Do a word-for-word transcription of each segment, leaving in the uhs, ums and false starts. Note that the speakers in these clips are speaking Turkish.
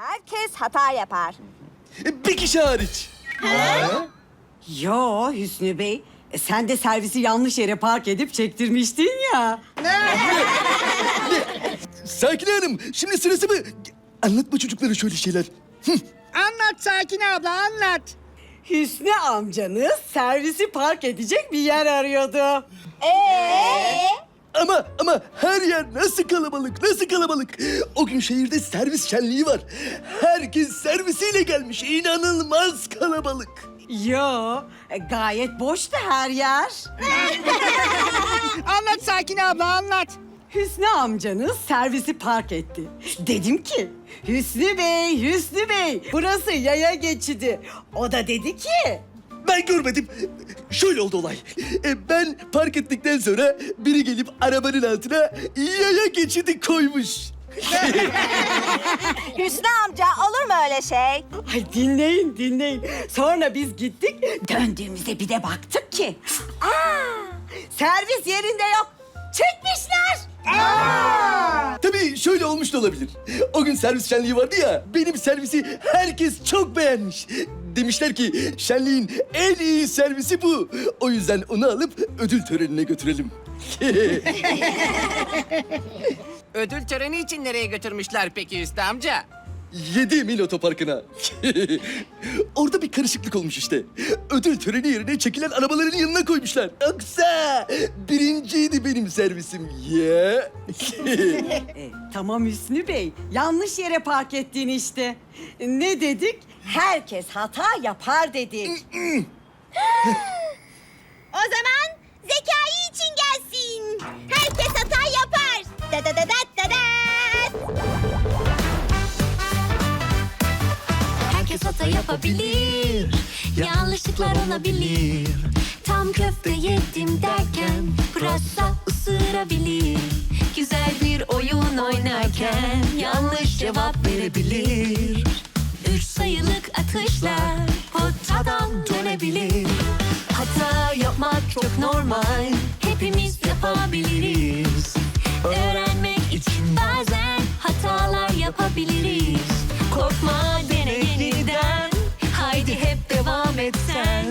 Herkes hata yapar. Bir kişi hariç. Yo Hüsnü Bey, e, sen de servisi yanlış yere park edip çektirmiştin ya. Sakine Hanım, şimdi sırası mı? Anlatma çocuklara şöyle şeyler. Anlat Sakine abla, anlat. Hüsnü amcanız servisi park edecek bir yer arıyordu. Ee? Ama ama her yer nasıl kalabalık, nasıl kalabalık. O gün şehirde servis şenliği var. Herkes servisiyle gelmiş. İnanılmaz kalabalık. Yo, e, gayet boştu her yer. Anlat Sakine abla, anlat. Hüsnü amcanız servisi park etti. Dedim ki, Hüsnü Bey, Hüsnü Bey, burası yaya geçidi. O da dedi ki... Ben görmedim. Şöyle oldu olay. E, ben park ettikten sonra biri gelip arabanın altına yaya geçidi koymuş. Hüsnü amca olur mu öyle şey? Ay dinleyin, dinleyin. Sonra biz gittik, döndüğümüzde bir de baktık ki... Aa, servis yerinde yok. Çekmişler. Tabii şöyle olmuş da olabilir. O gün servis şenliği vardı ya, benim servisi herkes çok beğenmiş. Demişler ki şenliğin en iyi servisi bu. O yüzden onu alıp ödül törenine götürelim. Ödül töreni için nereye götürmüşler peki Hüsnü amca? Yedi Mil Otoparkı'na. Orada bir karışıklık olmuş işte. Ödül töreni yerine çekilen arabaların yanına koymuşlar. Yoksa birinciydi benim servisim ya. E, tamam Hüsnü Bey, yanlış yere park ettin işte. Ne dedik? Herkes hata yapar dedik. O zaman zekayı için gelsin. Herkes hata yapar. Da da da da da da. Herkes hata yapabilir, yanlışlıklar olabilir. Tam köfte yedim derken pırasa ısırabilir. Güzel bir oyun oynarken yanlış cevap verebilir. Üç sayılık atışlar potadan dönebilir. Hata yapmak çok normal, hepimiz yapabiliriz. Öğrenmek için bazen hatalar yapabiliriz. Korkma, dene yeniden, haydi hep devam et sen.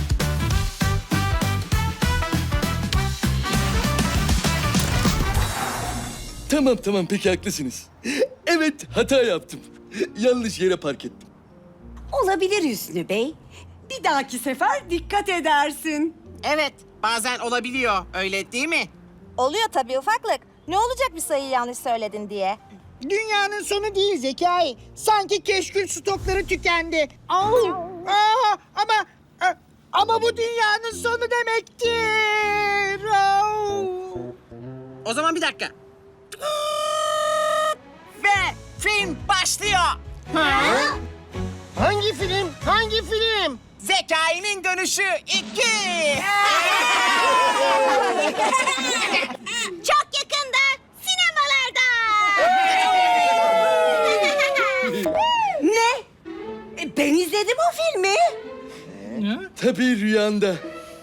Tamam tamam peki haklısınız. Evet hata yaptım. Yanlış yere park ettim. Olabilir Hüsnü Bey. Bir dahaki sefer dikkat edersin. Evet, bazen olabiliyor, öyle değil mi? Oluyor tabii ufaklık. Ne olacak bir sayıyı yanlış söyledin diye. Dünyanın sonu değil Zekai. Sanki keşkül stokları tükendi. Au! Aa, ama a- ama bu dünyanın sonu demektir. Au! O zaman bir dakika. Ve film başlıyor. Hangi film? Hangi film? Zekai'nin dönüşü iki. Çok yakında sinemalarda. Ne? E, ben izledim o filmi. Tabii rüyanda.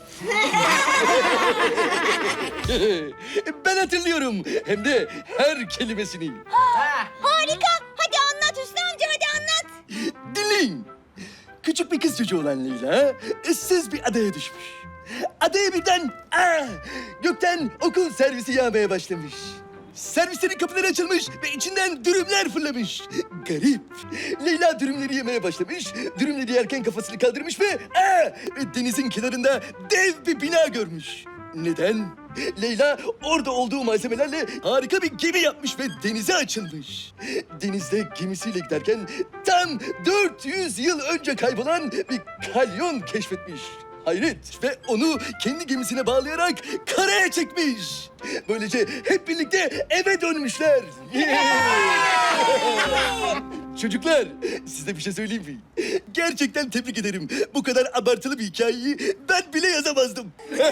Ben hatırlıyorum. Hem de her kelimesini. Harika. Hadi anlat Hüsnü amca, hadi anlat. Dinleyin. Küçük bir kız çocuğu olan Leyla ıssız bir adaya düşmüş. Adaya birden aa, gökten okul servisi yağmaya başlamış. Servislerin kapıları açılmış ve içinden dürümler fırlamış. Garip. Leyla dürümleri yemeye başlamış. Dürümleri yerken kafasını kaldırmış ve aa, denizin kenarında dev bir bina görmüş. Neden? Leyla orada olduğu malzemelerle harika bir gemi yapmış ve denize açılmış. Denizde gemisiyle giderken tam dört yüz yıl önce kaybolan bir kalyon keşfetmiş. Hayret ve onu kendi gemisine bağlayarak karaya çekmiş. Böylece hep birlikte eve dönmüşler. Çocuklar, size bir şey söyleyeyim mi? Gerçekten tebrik ederim. Bu kadar abartılı bir hikayeyi ben bile yazamazdım.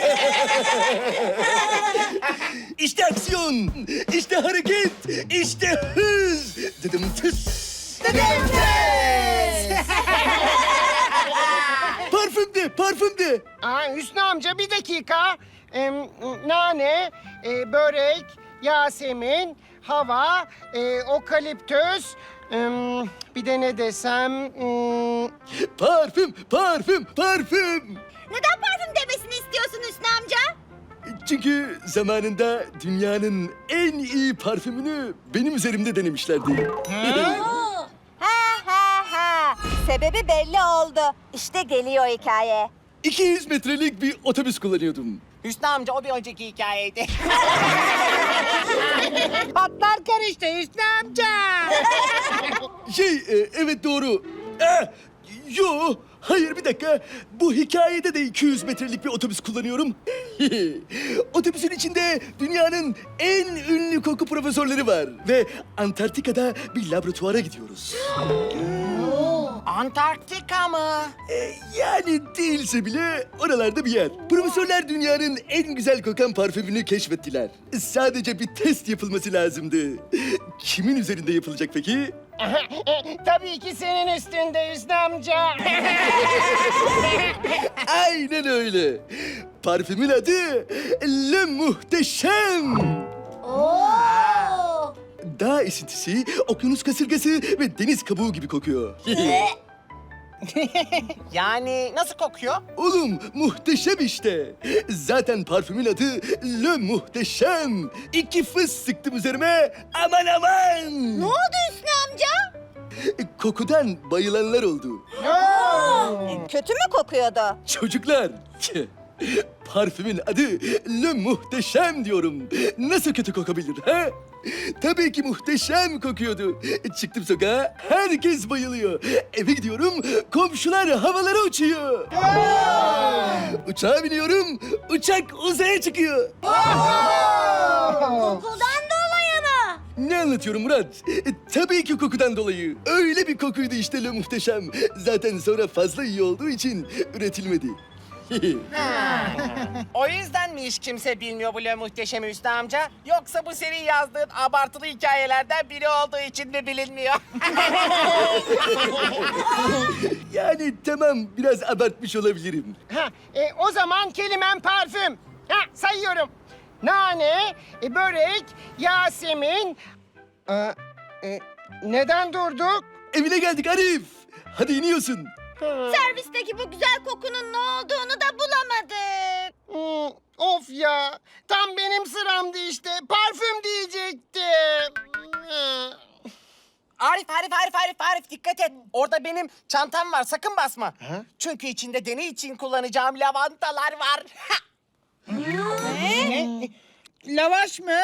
İşte aksiyon, işte hareket, işte hız. Dedim tıs. Dedim tıs. Parfüm de, parfüm de. Aa, Hüsnü amca bir dakika. Ee, nane, e, börek, Yasemin, hava, e, okaliptüs, Hmm, bir de ne desem... hmm, Parfüm, parfüm, parfüm. Neden parfüm demesini istiyorsun Hüsnü amca? Çünkü zamanında dünyanın en iyi parfümünü benim üzerimde denemişlerdi. Ha ha ha. Sebebi belli oldu. İşte geliyor hikaye. iki yüz metrelik bir otobüs kullanıyordum. Hüsnü amca o bir önceki hikayeydi. Patlar karıştı Hüsnü amca. Şey, e, evet doğru. Eh, yo, hayır bir dakika. Bu hikayede de iki yüz metrelik bir otobüs kullanıyorum. Otobüsün içinde dünyanın en ünlü koku profesörleri var. Ve Antarktika'da bir laboratuvara gidiyoruz. Antarktika mı? E, yani değilse bile oralarda bir yer. Profesörler dünyanın en güzel kokan parfümünü keşfettiler. Sadece bir test yapılması lazımdı. Kimin üzerinde yapılacak peki? tabii ki senin üstünde Hüsnü amca. Aynen öyle. Parfümün adı Le Muhteşem. Oo. Dağ esintisi, okyanus kasırgası ve deniz kabuğu gibi kokuyor. Yani nasıl kokuyor? Oğlum muhteşem işte. Zaten parfümün adı Le Muhteşem. İki fıs sıktım üzerime. Aman aman. Ne oldu Hüsnü amca? Kokudan bayılanlar oldu. Kötü mü kokuyordu? Çocuklar. Parfümün adı Le Muhteşem diyorum. Nasıl kötü kokabilir ha? Tabii ki muhteşem kokuyordu. Çıktım sokağa, herkes bayılıyor. Eve gidiyorum, komşular havalara uçuyor. Uçağa biniyorum, uçak uzaya çıkıyor. Kokudan dolayı mı? Ne anlatıyorum Murat? E, tabii ki kokudan dolayı. Öyle bir kokuydu işte Le Muhteşem. Zaten sonra fazla iyi olduğu için üretilmedi. O yüzden mi hiç kimse bilmiyor bu Le Muhteşem Hüsnü amca? Yoksa bu senin yazdığın abartılı hikayelerden biri olduğu için mi bilinmiyor? Yani tamam biraz abartmış olabilirim. Ha, e, o zaman kelimem parfüm. Ha, sayıyorum. Nane, e, börek, Yasemin... Aa, e, neden durduk? Evine geldik Arif. Hadi iniyorsun. Servisteki bu güzel kokunun ne olduğunu da bulamadık. Hmm, of ya, tam benim sıramdı işte. Parfüm diyecektim. Hmm. Arif, Arif, Arif, Arif, Arif dikkat et. Orada benim çantam var, sakın basma. Çünkü içinde deney için kullanacağım lavantalar var. Ne? Lavaş mı?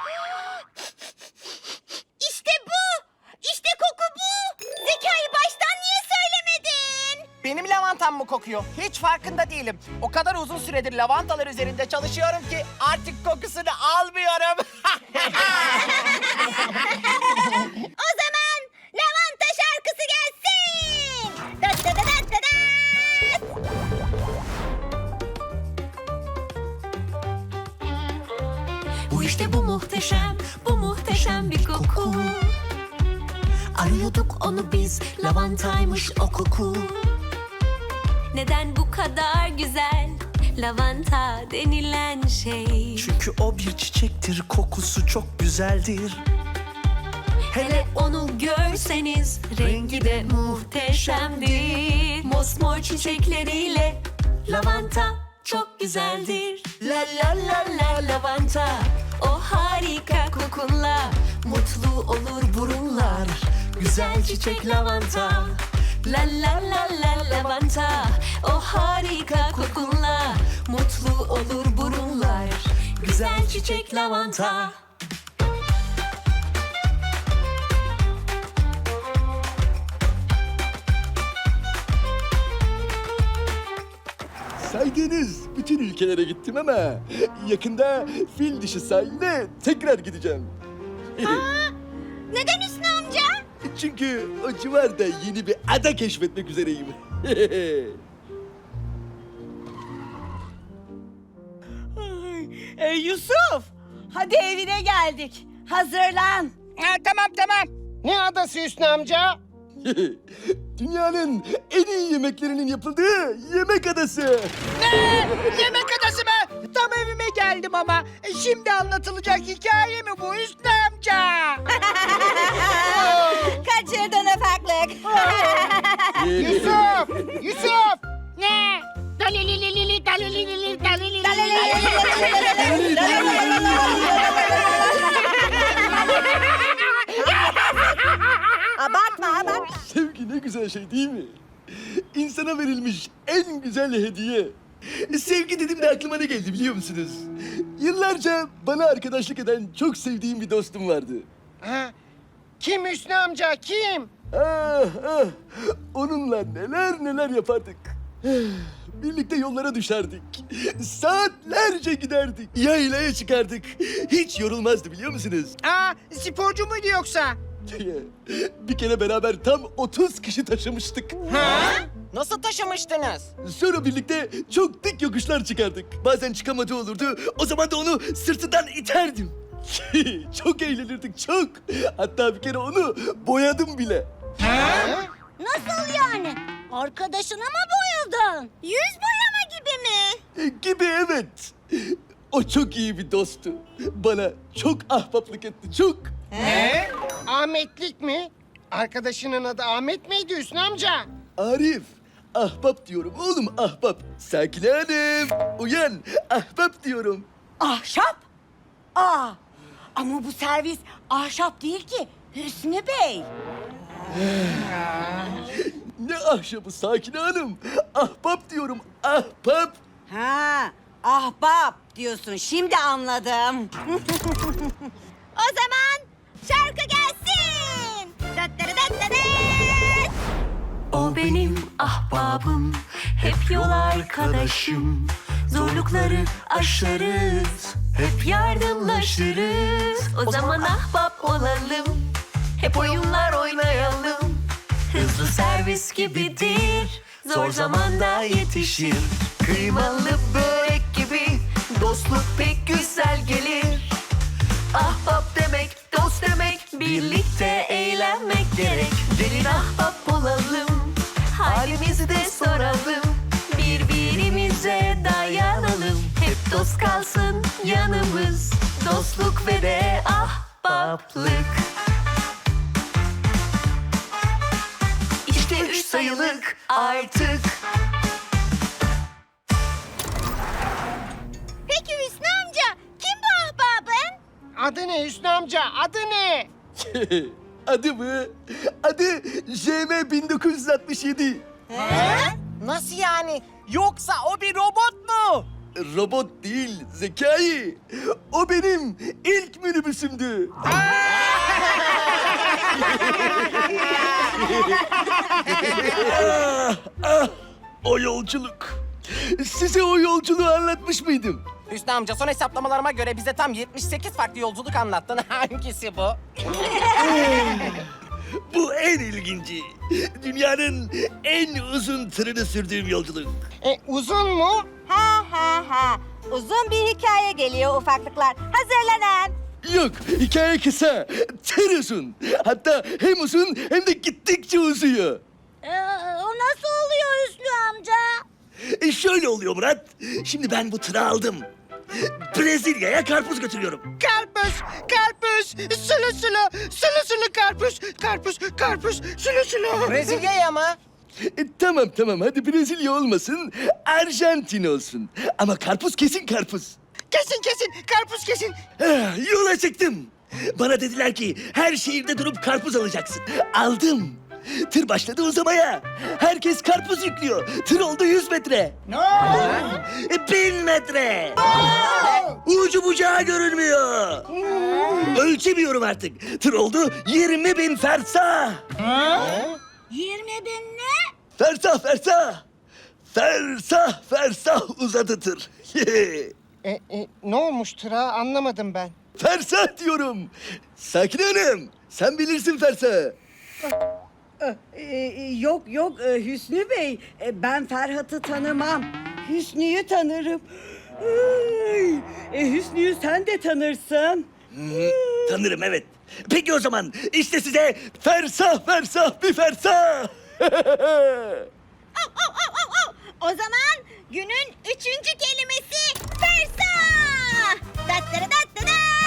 İşte bu. İşte koku bu. Zekai baştan niye söylemedin? Benim lavantam mı kokuyor? Hiç farkında değilim. O kadar uzun süredir lavantalar üzerinde çalışıyorum ki artık kokusunu almıyorum. O zaman lavanta şarkısı gelsin. Da da da da da da. Bu işte bu muhteşem, bu muhteşem bir koku. Arıyorduk onu biz, lavantaymış o koku. Neden bu kadar güzel lavanta denilen şey? Çünkü o bir çiçektir, kokusu çok güzeldir. Hele onu görseniz rengi de muhteşemdir. Mosmor çiçekleriyle lavanta çok güzeldir. La la la la lavanta, o harika kokunla mutlu olur burunlar. Güzel çiçek lavanta. La la la la lavanta, o harika kokunla mutlu olur burunlar. Güzel çiçek lavanta. Saydığınız bütün ülkelere gittim ama yakında fil dişi sahiline tekrar gideceğim. Neden Hüsnü amca? Çünkü o civarda yeni bir ada keşfetmek üzereyim. Ee, Yusuf, hadi evine geldik. Hazırlan. Ha, tamam tamam. Ne adası Hüsnü amca? Dünyanın en iyi yemeklerinin yapıldığı yemek adası. Ne? Yemek adası mı? Tam evime geldim ama. E, Şimdi anlatılacak hikaye mi bu Hüsnü amca? Kaç kaçırdın ufaklık. Yusuf! Yusuf! Ne? Dalililili, dalililili, dalililili. Abartma abartma. Sevgi ne güzel şey değil mi? İnsana verilmiş en güzel hediye. Sevgi dedim de aklıma ne geldi biliyor musunuz? Yıllarca bana arkadaşlık eden çok sevdiğim bir dostum vardı. Ha, kim Hüsnü amca, kim? Ah, ah. Onunla neler neler yapardık. Birlikte yollara düşerdik. Saatlerce giderdik. Yaylaya çıkardık. Hiç yorulmazdı biliyor musunuz? Aa, sporcu muydu yoksa? Bir kere beraber tam otuz kişi taşımıştık. Nasıl taşımıştınız? Sonra birlikte çok dik yokuşlar çıkardık. Bazen çıkamadığı olurdu. O zaman da onu sırtından iterdim. Çok eğlenirdik, çok. Hatta bir kere onu boyadım bile. Nasıl yani? Arkadaşına mı boyadın? Yüz boyama gibi mi? E, Gibi evet. O çok iyi bir dosttu. Bana çok ahbaplık etti, çok. Ne? Ahmetlik mi? Arkadaşının adı Ahmet miydi Hüsnü amca? Arif, ahbap diyorum oğlum, ahbap. Sakine Hanım, uyan, ahbap diyorum. Ahşap? Aa, ama bu servis ahşap değil ki Hüsnü Bey. Ne ahşabı Sakine Hanım? Ahbap diyorum, ahbap. Ha, ahbap diyorsun. Şimdi anladım. O zaman şarkı gelsin. Dattırıdattıdıt. O benim ahbabım, hep yol arkadaşım. Zorlukları aşarız, hep yardımlaşırız. O zaman ahbap olalım, hep oyunlar oynayalım. Hızlı servis gibidir, zor zamanda yetişir. Kıymalı börek gibi dostluk pek güzel gelir. Ahbap demek, dost demek, birlikte eğlenmek gerek. Gelin ahbap olalım, halimizi de soralım. Birbirimize dayanalım, hep dost kalsın yanımız. Dostluk ve de ahbaplık. İşte üç sayılık artık. Peki Hüsnü amca, kim bu ahbabın? Adı ne Hüsnü amca, adı ne? Adı mı? Adı J M bin dokuz yüz altmış yedi. Nasıl yani? Yoksa o bir robot mu? Robot değil, Zekai. O benim ilk minibüsümdü. ah, ah, o yolculuk. Size o yolculuğu anlatmış mıydım? Hüsnü amca son hesaplamalarıma göre bize tam yetmiş sekiz farklı yolculuk anlattın. Hangisi bu? Bu en ilginci. Dünyanın en uzun tırını sürdüğüm yolculuk. E, uzun mu? Ha ha ha. Uzun bir hikaye geliyor ufaklıklar. Hazırlanın. Yok, hikaye kısa. Tır uzun. Hatta hem uzun hem de gittikçe uzuyor. Ee, o nasıl oluyor Hüsnü amca? E şöyle oluyor Murat. Şimdi ben bu tırı aldım. Brezilya'ya karpuz götürüyorum. Karpuz, karpuz, sulu sulu, sulu sulu karpuz, karpuz, karpuz, sulu sulu. Brezilya'ya mı? E, tamam tamam hadi Brezilya olmasın, Arjantin olsun. Ama karpuz kesin karpuz. Kesin kesin, karpuz kesin. Ah, yola çıktım. Bana dediler ki her şehirde durup karpuz alacaksın. Aldım. Tır başladı uzamaya. Herkes karpuz yüklüyor. Tır oldu yüz metre. E, bin metre. Ucu bucağı görünmüyor. Ölçemiyorum artık. Tır oldu yirmi bin fersah. Yirmi bin ne? Fersah fersah. Fersah fersah uzadı tır. E, e, ne olmuş tıra anlamadım ben. Fersah diyorum. Sakine Hanım, sen bilirsin fersahı. Ee, yok yok e, Hüsnü Bey. E, ben Ferhat'ı tanımam. Hüsnü'yü tanırım. Ay, e, Hüsnü'yü sen de tanırsın. Tanırım evet. Peki o zaman işte size fersah fersah bir fersah. Au, au, au, au, au. O zaman günün üçüncü kelimesi fersah. Dattırıdattıdıt.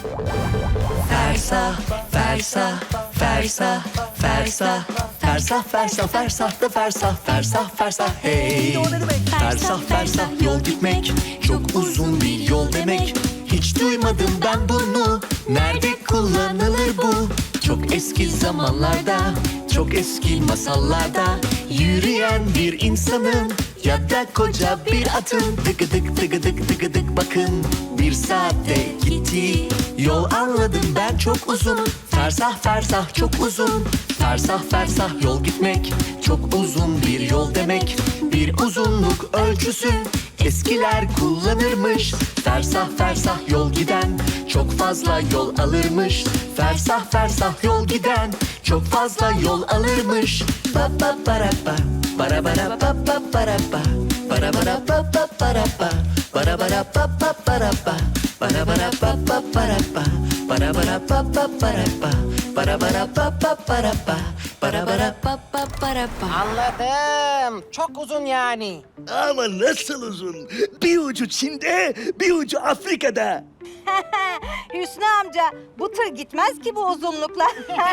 Fersah, fersah, fersah, fersah, fersah, fersah, fersah da fersah, fersah, fersah, hey. Fersah, fersah yol gitmek, çok uzun bir yol demek. Hiç duymadım ben bunu, nerede kullanılır bu? Çok eski zamanlarda, çok eski masallarda yürüyen bir insanın ya da koca bir atın tıkıdık tıkıdık tıkıdık bakın bir saatte gitti yol anladım ben çok uzun fersah fersah çok uzun fersah fersah yol gitmek çok uzun bir yol demek bir uzunluk ölçüsü eskiler kullanırmış fersah fersah yol giden çok fazla yol alırmış fersah fersah yol giden çok fazla yol alırmış ba ba bara ba bara bara ba ba bara ba bara bara ba ba bara ba bara bara ba ba bara ba bara bara ba ba bara ba bara bara ba ba bara ba bara bara ba ba bara ba bara bara ba ba bara ba. Anladım. Çok uzun yani. Ama nasıl uzun? Bir ucu Çin'de, bir ucu Afrika'da. Hüsnü amca, bu tır gitmez ki bu uzunlukla.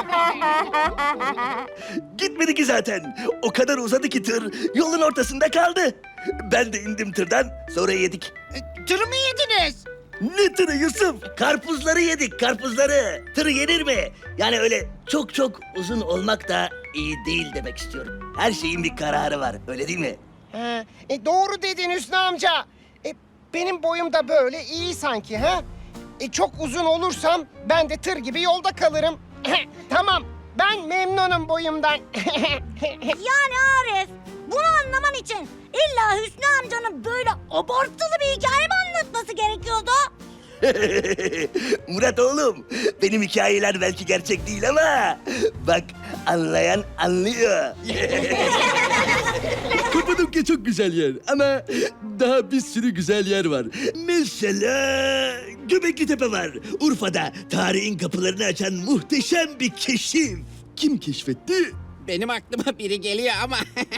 Gitmedi ki zaten. O kadar uzadı ki tır yolun ortasında kaldı. Ben de indim tırdan, sonra yedik. E, Tırı mı yediniz? Ne tırı Yusuf? Karpuzları yedik, karpuzları. Tır yenir mi? Yani öyle çok çok uzun olmak da iyi değil demek istiyorum. Her şeyin bir kararı var, öyle değil mi? Ha, e, doğru dedin Hüsnü amca. E, benim boyum da böyle iyi sanki ha? E, çok uzun olursam ben de tır gibi yolda kalırım. Tamam, ben memnunum boyumdan. Yani Arif, bunu anlaman için illa Hüsnü amcanın böyle abartılı bir hikaye mi anlatması gerekiyordu? Murat oğlum, benim hikayeler belki gerçek değil ama bak anlayan anlıyor. Kapadokya çok güzel yer ama daha bir sürü güzel yer var. Mesela Göbekli Tepe var. Urfa'da tarihin kapılarını açan muhteşem bir keşif. Kim keşfetti? Benim aklıma biri geliyor ama.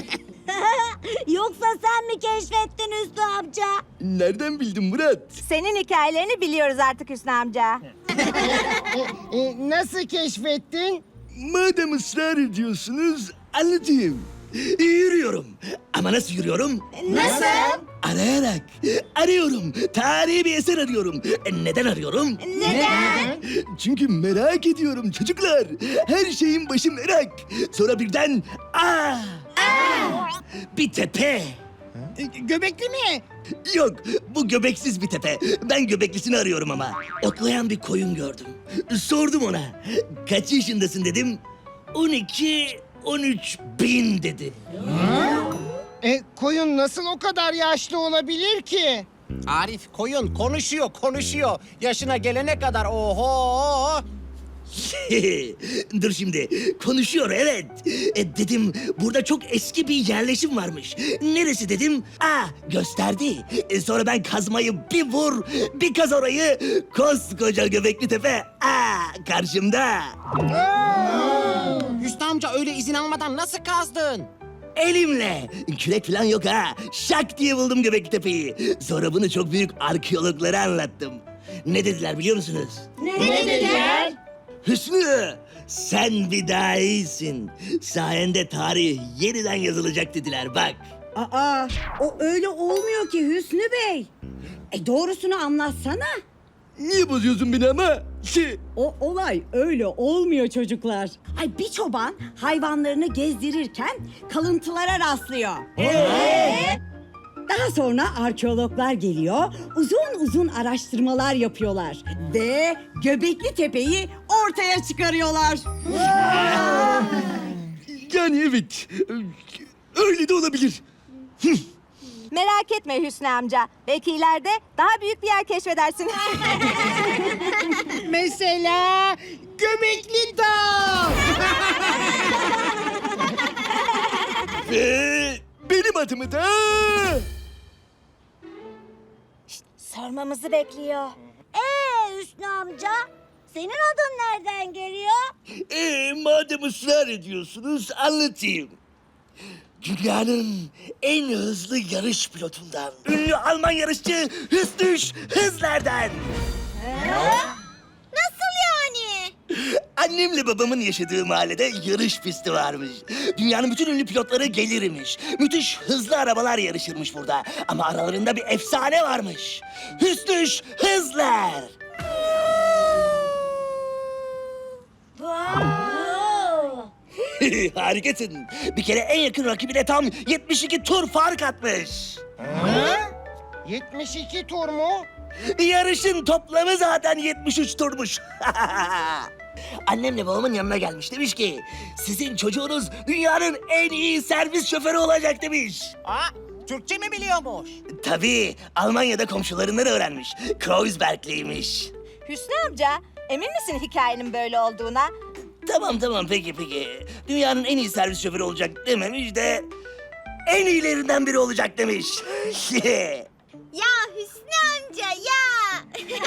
Yoksa sen mi keşfettin Hüsnü amca? Nereden bildin Murat? Senin hikayelerini biliyoruz artık Hüsnü amca. E, nasıl keşfettin? Madem ısrar ediyorsunuz anlatayım. Yürüyorum. Ama nasıl yürüyorum? Nasıl? Arayarak. Arıyorum. Tarihi bir eser arıyorum. E, neden arıyorum? Neden? Çünkü merak ediyorum çocuklar. Her şeyin başı merak. Sonra birden aa! Bir tepe. E, Göbekli mi? Yok, bu göbeksiz bir tepe. Ben göbeklisini arıyorum ama. Otlayan bir koyun gördüm. Sordum ona. Kaç yaşındasın dedim. on iki, on üç bin dedi. E, koyun nasıl o kadar yaşlı olabilir ki? Arif koyun konuşuyor konuşuyor. Yaşına gelene kadar oho. Dur şimdi. Konuşuyor evet. E, dedim burada çok eski bir yerleşim varmış. Neresi dedim. Aa gösterdi. E, sonra ben kazmayı bir vur, bir kaz orayı. Koskoca Göbekli Tepe. Aa karşımda. Hüsnü amca öyle izin almadan nasıl kazdın? Elimle. Kürek falan yok ha. Şak diye buldum Göbekli Tepe'yi. Sonra bunu çok büyük arkeologlara anlattım. Ne dediler biliyor musunuz? Ne, ne dediler? Hüsnü, sen bir daha iyisin. Sayende tarih yeniden yazılacak dediler bak. Aa, o öyle olmuyor ki Hüsnü Bey. E doğrusunu anlatsana. Niye bozuyorsun beni ama? Şey, O olay öyle olmuyor çocuklar. Ay bir çoban hayvanlarını gezdirirken kalıntılara rastlıyor. Daha sonra arkeologlar geliyor, uzun uzun araştırmalar yapıyorlar ve Göbekli Tepe'yi ortaya çıkarıyorlar. yani evet. Öyle de olabilir. Merak etme Hüsnü amca. Belki ileride daha büyük bir yer keşfedersin. Mesela Göbekli Dağ. Ve benim adımı da... Sormamızı bekliyor. Ee Hüsnü amca, senin adın nereden geliyor? Ee, madem ısrar ediyorsunuz anlatayım. Dünyanın en hızlı yarış pilotundan. Ünlü Alman yarışçı Hüsnü Hızler'den. Annemle babamın yaşadığı mahallede yarış pisti varmış. Dünyanın bütün ünlü pilotları gelirmiş. Müthiş hızlı arabalar yarışırmış burada. Ama aralarında bir efsane varmış. Hüsnüş Hızlar. Harikasın. Bir kere en yakın rakibine tam yetmiş iki tur fark atmış. yetmiş iki tur mu? Yarışın toplamı zaten yetmiş üç turmuş. Annemle babamın yanına gelmiş, demiş ki sizin çocuğunuz dünyanın en iyi servis şoförü olacak demiş. Aa, Türkçe mi biliyormuş? Tabii Almanya'da komşularından öğrenmiş. Kreuzbergliymiş. Hüsnü amca, emin misin hikayenin böyle olduğuna? Tamam tamam peki peki. Dünyanın en iyi servis şoförü olacak dememiş de en iyilerinden biri olacak demiş. Ya Hüsnü amca ya.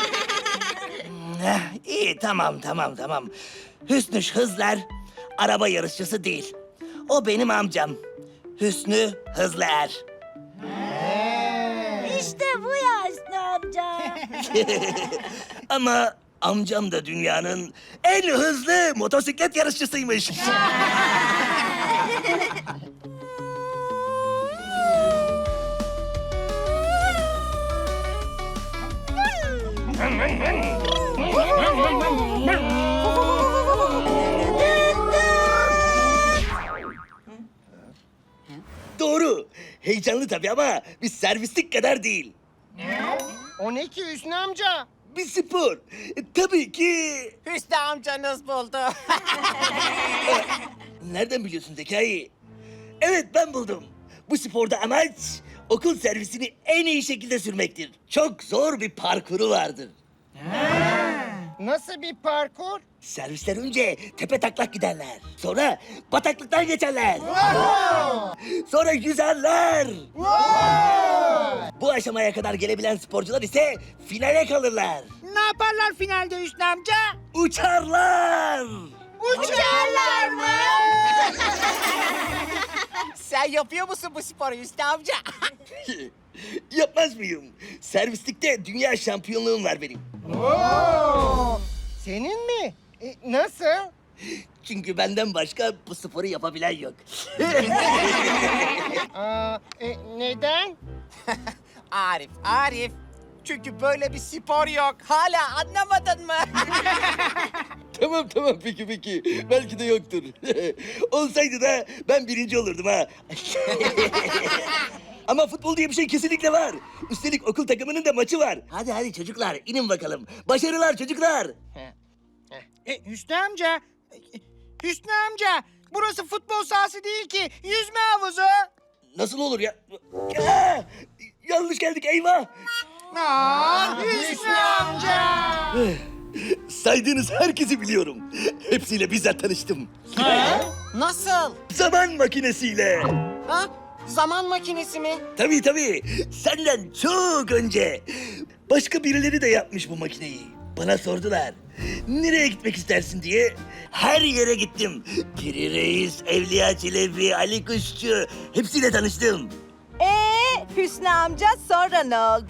Eh, İyi tamam tamam tamam. Hüsnü Hızlar araba yarışçısı değil. O benim amcam. Hüsnü Hızlar. İşte bu ya Hüsnü amca. Ama amcam da dünyanın en hızlı motosiklet yarışçısıymış. Doğru. Heyecanlı tabii ama bir servislik kadar değil. O ne ki Hüsnü amca? Bir spor. E, tabii ki. Hüsnü amcanız buldu. Nereden biliyorsun Zekai? Evet ben buldum. Bu sporda amaç okul servisini en iyi şekilde sürmektir. Çok zor bir parkuru vardır. Nasıl bir parkur? Servisler önce tepe taklak giderler. Sonra bataklıktan geçerler. Sonra yüzerler. Bu aşamaya kadar gelebilen sporcular ise finale kalırlar. Ne yaparlar finalde Hüsnü amca? Uçarlar. Uçarlar mı? Sen yapıyor musun bu sporu Hüsnü amca? Yapmaz mıyım? Servislikte dünya şampiyonluğum var benim. Senin mi? E, nasıl? Çünkü benden başka bu sporu yapabilen yok. Aa, e, neden? Arif, Arif. Çünkü böyle bir spor yok. Hala anlamadın mı? Tamam tamam peki peki. Belki de yoktur. Olsaydı da ben birinci olurdum ha. Ama futbol diye bir şey kesinlikle var. Üstelik okul takımının da maçı var. Hadi hadi çocuklar inin bakalım. Başarılar çocuklar. E, Hüsnü amca, e, Hüsnü amca, burası futbol sahası değil ki, yüzme havuzu. Nasıl olur ya? Aa, yanlış geldik eyvah. Aa, Hüsnü amca. Saydığınız herkesi biliyorum. Hepsiyle bizzat tanıştım. Nasıl? Zaman makinesiyle. Ha? Zaman makinesi mi? Tabii tabii. Senden çok önce. Başka birileri de yapmış bu makineyi. Bana sordular. Nereye gitmek istersin diye. Her yere gittim. Piri Reis, Evliya Çelebi, Ali Kuşçu. Hepsiyle tanıştım. Ee, Hüsnü amca sonra ne oldu?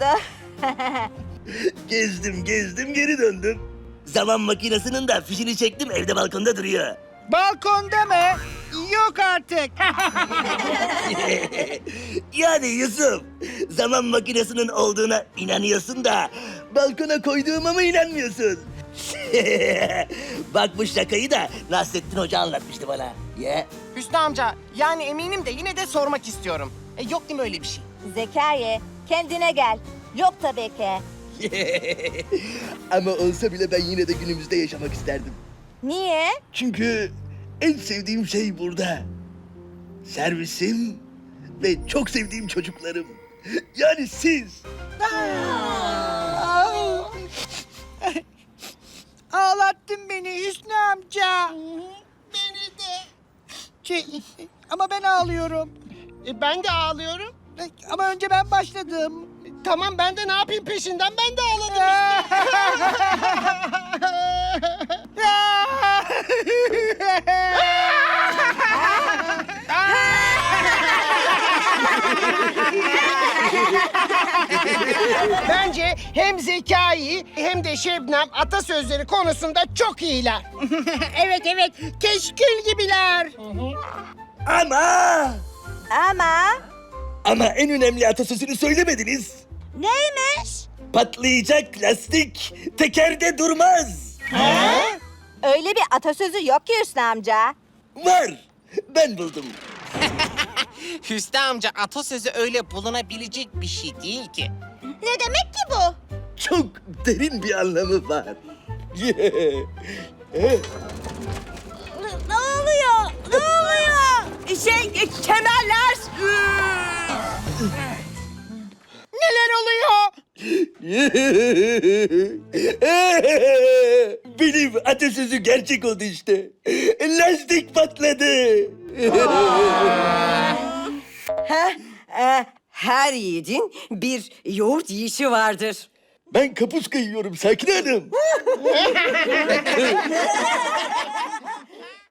Gezdim gezdim geri döndüm. Zaman makinesinin de fişini çektim evde balkonda duruyor. Balkonda mı? Yok artık. Yani Yusuf, zaman makinesinin olduğuna inanıyorsun da balkona koyduğuma mı inanmıyorsun? Bak bu şakayı da Nasrettin Hoca anlatmıştı bana. Ya. Hüsnü amca, yani eminim de yine de sormak istiyorum. E, yok değil mi öyle bir şey? Zekai, kendine gel. Yok tabii ki. Ama olsa bile ben yine de günümüzde yaşamak isterdim. Niye? Çünkü en sevdiğim şey burada. Servisim ve çok sevdiğim çocuklarım. Yani siz. Ağlattın beni Hüsnü amca. Beni de. Şey, ama ben ağlıyorum. E, ben de ağlıyorum. Ama önce ben başladım. Tamam ben de ne yapayım peşinden ben de ağladım. Bence göre hem Zekai hem de Şebnem atasözleri konusunda çok iyiler. Evet evet, keşkül gibiler. Ama! Ama Ama en önemli atasözünü söylemediniz. neymiş? Patlayacak lastik tekerde durmaz. Öyle bir atasözü yok ki Hüsnü amca. Var. Ben buldum. Hüsnü amca atasözü öyle bulunabilecek bir şey değil ki. Ne demek ki bu? Çok derin bir anlamı var. Ne oluyor? Ne oluyor? Şey, e, kemerler. Neler oluyor? Benim atasözü gerçek oldu işte. Lastik patladı. Heh, e, her yiğidin bir yoğurt yiyişi vardır. Ben kapuska yiyorum Sakine Hanım.